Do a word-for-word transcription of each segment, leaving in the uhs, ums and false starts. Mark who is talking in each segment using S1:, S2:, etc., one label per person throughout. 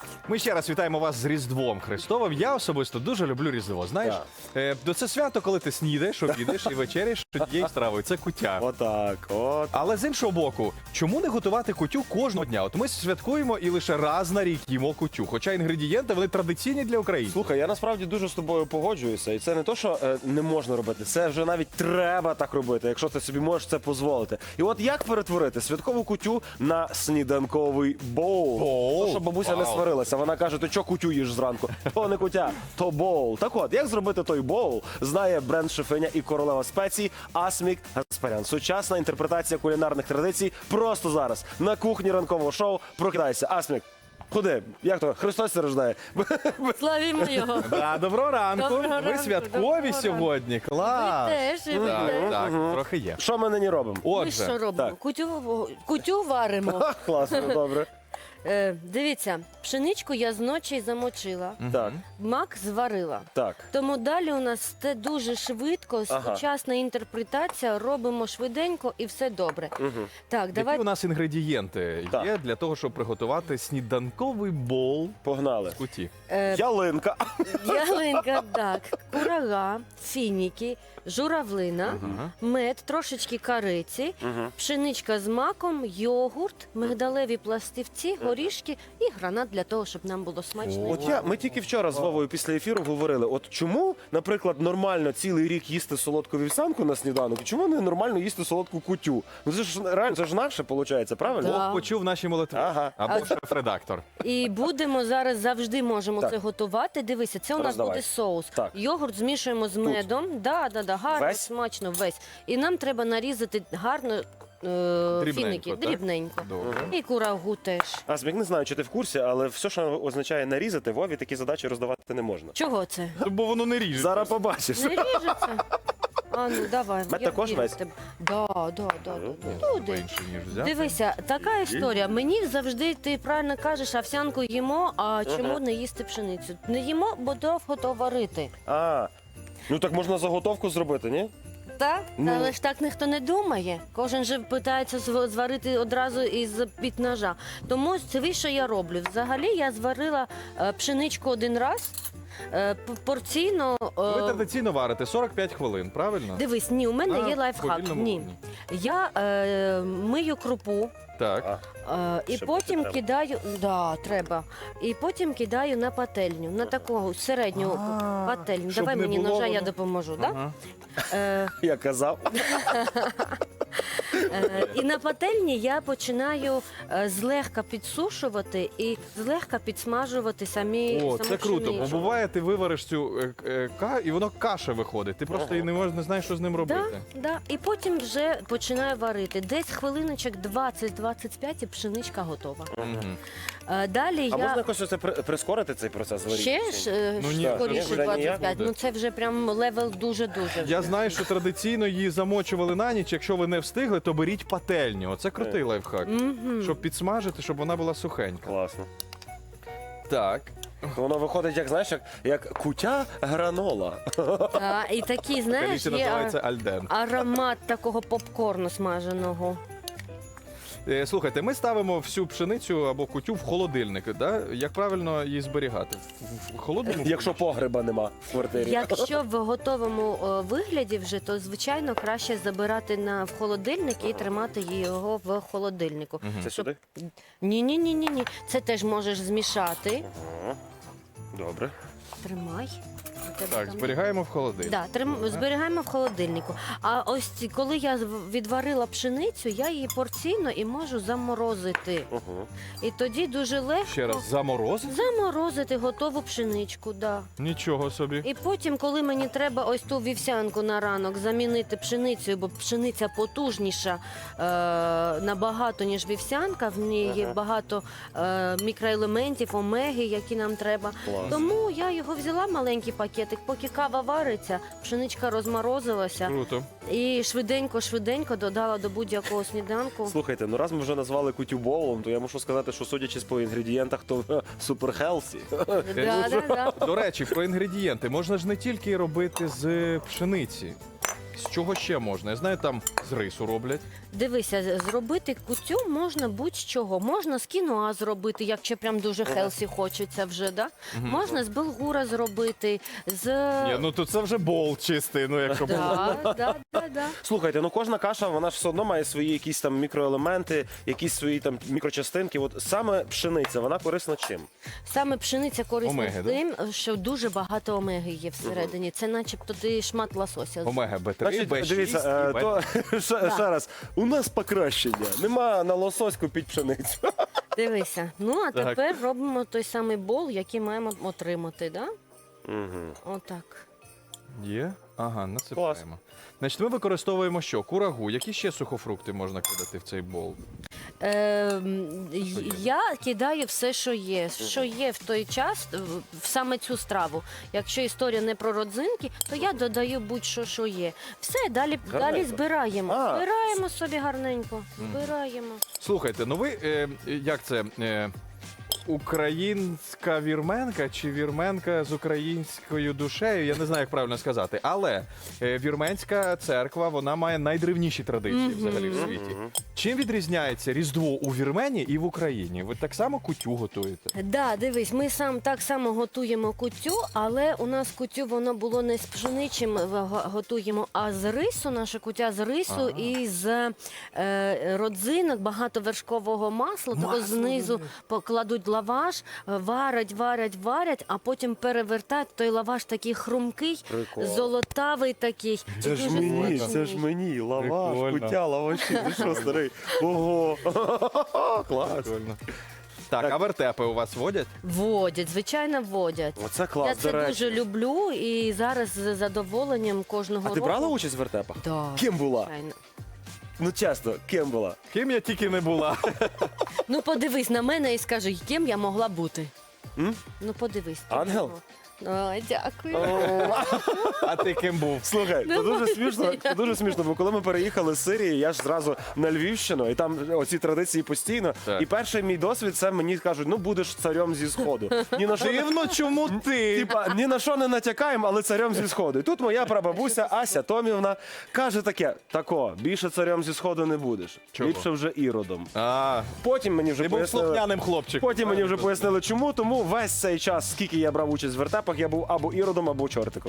S1: Ми ще раз вітаємо вас з Різдвом Христовим. Я особисто дуже люблю Різдво. Знаєш, е, до це свято, коли ти снідаєш, обідаєш і вечеряєш однією стравою. Це куття.
S2: Отак, от.
S1: Але з іншого боку, чому не готувати кутю кожного дня? От ми святкуємо і лише раз на рік їмо кутю. Хоча інгредієнти, вони традиційні для українців.
S2: Слухай, я насправді дуже з тобою погоджуюся. І це не то, що е, не можна робити, це вже навіть треба так робити, якщо ти собі можеш це дозволити. І от як перетворити святкову кутю на сніданковий боул?
S1: Боул?
S2: То, що бабуся не
S1: Вау.
S2: сварилася. Вона каже, ти чого кутю їш зранку? То не кутя, то боул. Так от, як зробити той боул, знає бренд-шефиня і королева спецій Асмік Гаспарян. Сучасна інтерпретація кулінарних традицій просто зараз. На кухні ранкового шоу «Прокидайся». Асмік, куди? Як то? Христос це рождає.
S3: Славімо його.
S1: Да, доброго ранку.
S3: Доброго
S1: ви
S3: ранку,
S1: святкові
S3: доброго
S1: сьогодні. Клас.
S3: Ви теж, і ви
S1: Так,
S3: теж.
S1: так, трохи є.
S2: Що ми нині робимо?
S3: Ми що
S1: Отже,
S3: робимо?
S2: так.
S3: Кутю, кутю варимо.
S2: Ха, класно, добре.
S3: Е, дивіться, пшеничку я зночі замочила,
S2: Так,
S3: мак зварила.
S2: так.
S3: Тому далі у нас це дуже швидко,
S2: Ага.
S3: сучасна інтерпретація, робимо швиденько і все добре.
S2: Угу.
S3: Так,
S1: які
S3: давай.
S1: у нас інгредієнти
S2: Так.
S1: є для того, щоб приготувати сніданковий боул
S2: Погнали.
S1: з куті?
S3: Е,
S2: Ялинка.
S3: ялинка, так, курага, фініки, журавлина,
S1: Ага.
S3: мед, трошечки кориці,
S2: Угу.
S3: пшеничка з маком, йогурт, мигдалеві пластівці, горішки і гранат для того, щоб нам було смачно.
S1: О.
S2: От я, ми тільки вчора з Вовою після ефіру говорили, от чому, наприклад, нормально цілий рік їсти солодку вівсянку на сніданок, і чому не нормально їсти солодку кутю? Ну це ж реально, це ж наше, виходить, правильно?
S3: Да.
S1: Бог почув наші молитви.
S2: Ага.
S1: Або шеф-редактор.
S3: І будемо зараз завжди можемо
S2: Так.
S3: це готувати. Дивися, це у нас
S2: Роздавай.
S3: буде соус.
S2: Так.
S3: Йогурт змішуємо з медом. Да, да, да, гарно,
S2: Весь?
S3: смачно, весь. І нам треба нарізати гарно е,
S1: Дрібненько,
S3: фіники,
S1: так?
S3: дрібненько.
S1: Добре.
S3: І курагу теж.
S2: Асмік, не знаю, чи ти в курсі, але все, що означає нарізати, Вові такі задачі роздавати не можна.
S3: Чого це?
S1: Бо воно не ріже.
S2: Зараз побачиш.
S3: Не ріжеться? А ну давай.
S2: Мед
S3: я
S2: також
S3: вірю в
S2: весь?
S3: тебе. Да, да, да, да, да. Туди.
S1: Менше, ніж взяти.
S3: Дивися, така історія. Мені завжди ти правильно кажеш, овсянку їмо, а чому не їсти пшеницю? Не їмо, бо довго то варити.
S2: А, ну так можна заготовку зробити, ні?
S3: Так,
S2: Ну.
S3: але ж так ніхто не думає. Кожен же питається зв- зварити одразу із під ножа. Тому це що я роблю. Взагалі я зварила е, пшеничку один раз. е, п- Порційно. е,
S1: Ви традиційно варите сорок п'ять хвилин, правильно?
S3: Дивись, ні, у мене
S1: На
S3: є лайфхак.
S1: повільному
S3: Ні.
S1: вогні.
S3: Я е, мию крупу.
S1: Так.
S2: А,
S3: Е, і
S2: Щоб
S3: потім
S2: треба.
S3: кидаю, да, треба. І потім кидаю на пательню, на таку середню
S1: А,
S3: пательню.
S1: щоб
S3: Давай
S1: не
S3: мені
S1: було
S3: ножа, я
S1: воно.
S3: допоможу. Да?
S1: Ага.
S3: Е,
S2: Я казав.
S3: е, і на пательні я починаю е, злегка підсушувати і злегка підсмажувати самі
S1: О,
S3: саму
S1: це круто, бо
S3: пшеницю.
S1: буває, ти вивариш цю е, е, ка, і воно каша виходить. Ти просто
S2: Ага.
S1: і не можеш, не знаєш, що з ним
S3: Да,
S1: робити.
S3: да. І потім вже починаю варити. Десь хвилиночок двадцять-двадцять п'ять і пшеничка готова.
S1: Мгм.
S3: Е, далі
S2: А
S3: я...
S2: можна якось оце при- прискорити цей процес варіння?
S3: Ще ж е,
S1: Ну,
S3: ж
S1: ні,
S3: скоріше
S2: вже ніяк
S3: двадцять п'ять.
S1: буде.
S3: Ну це вже прям левел дуже-дуже.
S1: Я
S3: вже.
S1: знаю, що традиційно її замочували на ніч. Якщо ви не встигли, то беріть пательню. Оце крутий
S2: Е.
S1: лайфхак.
S3: Мгм.
S1: Щоб підсмажити, щоб вона була сухенька.
S2: Класно.
S1: Так.
S2: Воно виходить, як знаєш, як, як кутя гранола.
S3: Та, і такий, знаєш,
S1: Каліці
S3: є
S1: називається
S3: а,
S1: альден.
S3: аромат такого попкорну смаженого.
S1: Е, Слухайте, ми ставимо всю пшеницю або кутю в холодильник. Да? Як правильно її зберігати? В- В холодному?
S2: Якщо погреба нема в квартирі.
S3: Якщо в готовому о, вигляді вже, то звичайно краще забирати на в холодильник і тримати його в холодильнику.
S1: Мгм.
S2: Це сюди?
S3: Ні, ні, ні, ні, ні. Це теж можеш змішати.
S2: Ага. Добре.
S3: Тримай. У тебе
S1: Так,
S3: там-
S1: зберігаємо в холодильник.
S3: Да, трим... зберігаємо в холодильнику. А ось ці- коли я з- відварила пшеницю, я її порційно і можу заморозити.
S2: Угу.
S3: І тоді дуже легко
S1: Ще раз, заморозити?
S3: заморозити готову пшеничку. Да.
S1: Нічого собі.
S3: І потім, коли мені треба ось ту вівсянку на ранок замінити пшеницею, бо пшениця потужніша е, набагато, ніж вівсянка, в ній є
S2: Ага.
S3: багато е, мікроелементів, омеги, які нам треба.
S2: Клас.
S3: Тому я його взяла маленький пакетик, поки кава вариться, пшеничка розморозилася
S1: Круто.
S3: і швиденько-швиденько додала до будь-якого сніданку.
S2: Слухайте, ну раз ми вже назвали кутю боулом, то я мушу сказати, що судячи по інгредієнтах, то супер хелсі.
S3: Да, да, да.
S1: До речі, про інгредієнти. Можна ж не тільки робити з пшениці. З чого ще можна? Я знаю, там з рису роблять.
S3: Дивися, з- зробити кутю можна будь-чого. Можна з кіноа зробити, якщо прям дуже хелсі хочеться вже, да? Можна з булгура зробити, з...
S1: Ні, ну то це вже бол чистий, ну якщо було.
S3: Да, да, да, да.
S2: Слухайте, ну кожна каша, вона ж все одно має свої якісь там мікроелементи, якісь свої там мікрочастинки. От саме пшениця, вона корисна чим?
S3: Саме пшениця корисна
S1: Омеги, да?
S3: тим, що дуже багато омеги є всередині. Це начебто ти шмат лосося.
S1: Омега Б три,
S2: Значить,
S1: Б шість,
S2: дивіться,
S1: і
S2: е,
S1: Б-
S2: то, ще,
S3: Да.
S2: ще раз, у нас покращення. Нема на лосоську під пшеницю.
S3: Дивися. Ну, а
S1: Так.
S3: тепер робимо той самий бол, який маємо отримати, да?
S2: Угу.
S3: Отак.
S1: Є? Ага, насипаємо. Значить, ми використовуємо що? Курагу. Які ще сухофрукти можна кидати в цей бол?
S3: Е,
S1: Що є?
S3: я кидаю все, що є. Що є в той час, в- в саме цю страву. Якщо історія не про родзинки, то я додаю будь-що, що є. Все, далі,
S2: Гарненько.
S3: далі збираємо.
S2: А.
S3: Збираємо собі гарненько. Збираємо.
S1: Слухайте, ну ви, е, як це, е, українська вірменка чи вірменка з українською душею, я не знаю, як правильно сказати. Але е, вірменська церква, вона має найдревніші традиції
S3: Мгм.
S1: взагалі в світі. Чим відрізняється Різдво у Вірменії і в Україні? Ви так само кутю готуєте?
S3: Да, дивись, ми сам так само готуємо кутю, але у нас кутю воно було не з пшеничим е, го- готуємо, а з рису. Наша кутя з рису
S1: Ага.
S3: і з е, родзинок, багато вершкового масла. Того
S1: Масло,
S3: знизу покладуть лаваш, е, варять, варять, варять, а потім перевертають. Той лаваш такий хрумкий,
S2: Прикол.
S3: золотавий такий.
S2: Це
S3: і
S2: ж
S3: дуже
S2: мені,
S3: смачний.
S2: це ж мені, лаваш,
S1: Прикольно.
S2: кутя, лаваші. Ти що, старий? Ого. Клас.
S1: Прикольно. Так, а вертепи у вас водять?
S3: Водять, звичайно, водять.
S2: Оце клас,
S3: Я
S2: до
S3: це
S2: речі.
S3: дуже люблю і зараз з задоволенням кожного
S2: А ти
S3: року.
S2: брала участь в вертепах?
S3: Да,
S2: Ким була?
S3: звичайно.
S2: Ну чесно, ким була?
S1: Ким я тільки не була.
S3: Ну подивись на мене і скажи, ким я могла бути.
S2: М?
S3: Ну подивись. ти
S2: Ангел?
S3: чого? Ой, дякую.
S1: А ти ким був?
S2: Слухай, це дуже смішно, це дуже смішно, бо коли ми переїхали з Сирії, я ж зразу на Львівщину, і там оці традиції постійно.
S1: Так.
S2: І перший мій досвід це мені кажуть, ну будеш царем зі сходу. Ні на що не-
S1: Дивно, чому ти?
S2: Типа, ні на що не натякаємо, але царем зі сходу. І тут моя прабабуся Ася Томівна каже таке: тако, більше царем зі сходу не будеш.
S1: Чого?
S2: Ліпше вже іродом.
S1: А,
S2: Потім мені вже
S1: ти був
S2: пояснили.
S1: слухняним хлопчиком.
S2: Потім мені вже пояснили, чому. Тому весь цей час, скільки я брав участь в вертепах, я був або іродом, або чортиком.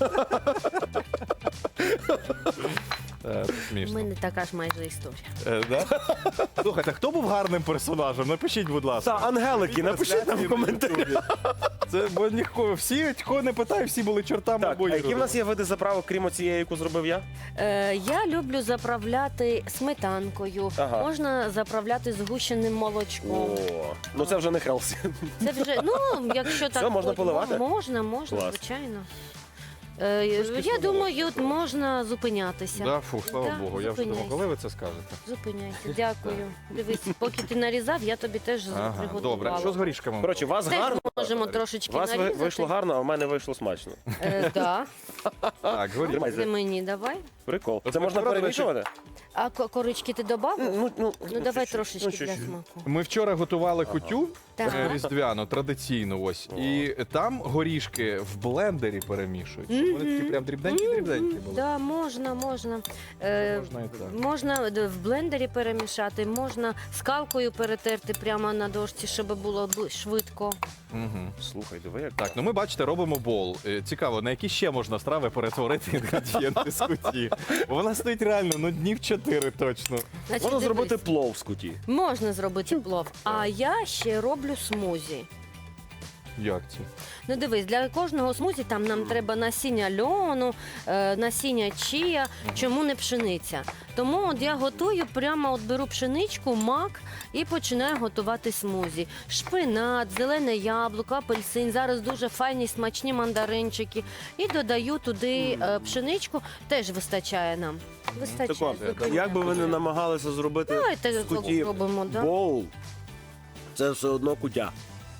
S1: Е, це
S3: У
S1: смішно.
S3: мене така ж майже історія.
S1: Е, да? Слухайте, хто був гарним персонажем? Напишіть, будь ласка.
S2: Та, ангелики, напишіть нам в коментарях.
S1: Це бо ніхто, всі, кого не питаю, всі були чортами
S2: Так,
S1: або
S2: а які в
S1: іродами.
S2: нас є види заправок, крім цієї, яку зробив я?
S3: Е, я люблю заправляти сметанкою,
S2: Ага.
S3: можна заправляти згущеним молочком.
S2: О, ну це вже не хелсі.
S3: Це вже, ну, якщо так
S2: можна
S3: хоч-
S2: поливати?
S3: Можна, можна,
S2: Клас.
S3: звичайно. Е, я думаю, можна зупинятися.
S1: Да, фу, слава
S3: Да,
S1: Богу, я вже думав,
S3: зупиняйся.
S1: коли ви це скажете?
S3: Зупиняйся, дякую. Дивись, поки ти нарізав, я тобі теж
S1: Ага,
S3: приготувала.
S1: добре. Що з горішками?
S2: Коротше, у вас
S3: Теж
S2: гарно.
S3: можемо трошечки
S2: У вас ви-
S3: нарізати.
S2: вийшло гарно, а в мене вийшло смачно.
S3: Е, да.
S1: Так, горішки.
S2: Тримай.
S3: Це мені давай.
S2: Прикол.
S1: От
S2: Це
S1: ми
S2: можна
S1: вчора, до
S2: перемішувати?
S3: А ко- корички ти додав?
S2: Ну, ну,
S3: Ну давай
S2: чуть-чуть,
S3: трошечки
S2: ну,
S3: для
S2: чуть-чуть.
S3: смаку.
S1: Ми вчора готували кутю
S3: Так.
S1: е, різдвяну, традиційну ось. І там горішки в блендері перемішують. Щоб Вони такі прям дрібненькі-дрібненькі були.
S3: Да, можна, можна. Е,
S1: Можна і так.
S3: можна д- в блендері перемішати, можна скалкою перетерти прямо на дошці, щоб було бу- швидко.
S1: Угу.
S2: Слухай, диви, як
S1: Так, ну ми бачите, робимо бол. Е, Цікаво, на які ще можна страви перетворити інгредієнти з куті? Бо вона стоїть реально ну днів чотири точно.
S3: Значить,
S2: можна
S3: дивись,
S2: зробити плов з куті.
S3: можна зробити плов, а я ще роблю смузі.
S1: Як це?
S3: Ну дивись, для кожного смузі там нам треба насіння льону, е, насіння чія, чому не пшениця. Тому от я готую, прямо от беру пшеничку, мак і починаю готувати смузі. Шпинат, зелене яблуко, апельсин, зараз дуже файні смачні мандаринчики. І додаю туди е, пшеничку, теж вистачає нам. Вистачає.
S2: Тако,
S3: зупиняю.
S2: як би ви не намагалися зробити
S3: Давайте
S2: з куті
S3: зробимо, да?
S2: боул, це все одно кутя.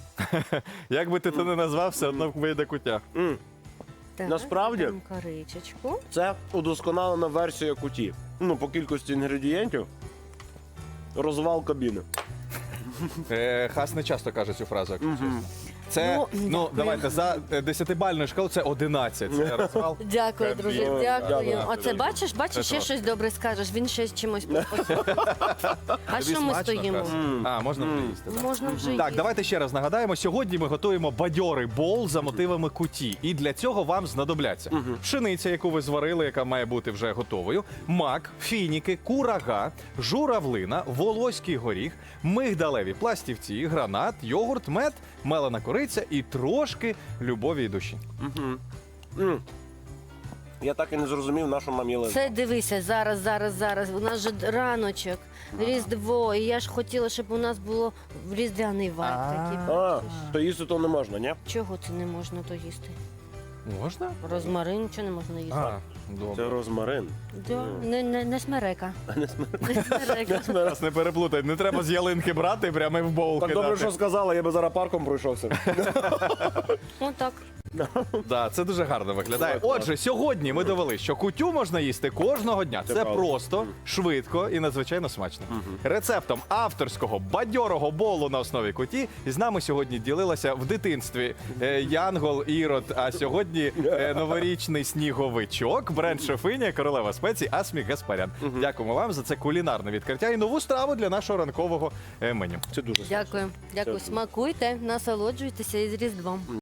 S1: Як би ти це не назвав, все одно вийде кутя.
S2: М,
S3: Так,
S2: насправді-
S3: там коричечку.
S2: Це удосконалена версія куті. Ну, по кількості інгредієнтів. Розвал кабіни.
S1: Е, Хас не часто каже цю фразу. якщо чесно. Це,
S3: Ну,
S1: ну,
S3: дякую.
S1: давайте, за е, десятибальною шкалою це одинадцять. Це розвал.
S3: Дякую, друже,
S2: Дякую.
S3: дякую.
S2: Дякую.
S3: Оце бачиш, бачиш, ще
S1: Це
S3: щось добре скажеш, він ще чимось поспособить. А
S1: Тобі
S3: що ми
S1: смачно,
S3: стоїмо?
S1: Хас? А, можна вже їсти. так.
S3: Можна вже
S1: Так,
S3: їсти.
S1: давайте ще раз нагадаємо. Сьогодні ми готуємо бадьорий боул за мотивами куті. І для цього вам знадобляться пшениця, яку ви зварили, яка має бути вже готовою, мак, фініки, курага, журавлина, волоський горіх, мигдалеві пластівці, гранат, йогурт, мед, мелена кориця і трошки любові і душі.
S2: М. Я так і не зрозумів, на що нам їли.
S3: Це дивися, зараз, зараз, зараз. У нас же раночок, Різдво. І я ж хотіла, щоб у нас було різдвяний вайб такий.
S2: А, то їсти то не можна, ні?
S3: Чого це не можна то їсти?
S1: Можна?
S3: Розмарин, чого не можна їсти?
S1: А, добре.
S2: Це розмарин.
S3: Да, не, не, не смерека. Не смерека.
S1: Нас не переплутай, не треба з ялинки брати, прямо і в боул
S2: Так
S1: кидати.
S2: добре, що сказала, я би зараз парком пройшовся.
S3: Отак.
S1: Да, це дуже гарно виглядає. Отже, сьогодні ми довели, що кутю можна їсти кожного дня. Це
S2: правда.
S1: просто, швидко і надзвичайно смачно. Рецептом авторського бадьорого болу на основі куті з нами сьогодні ділилася в дитинстві е, Янгол Ірод, а сьогодні е, новорічний сніговичок, бренд-шефиня, королева спецій Асмік Гаспарян. Дякуємо вам за це кулінарне відкриття і нову страву для нашого ранкового е, меню.
S2: Це дуже
S3: Дякую. Дякую. Смакуйте, насолоджуйтеся із Різдвом.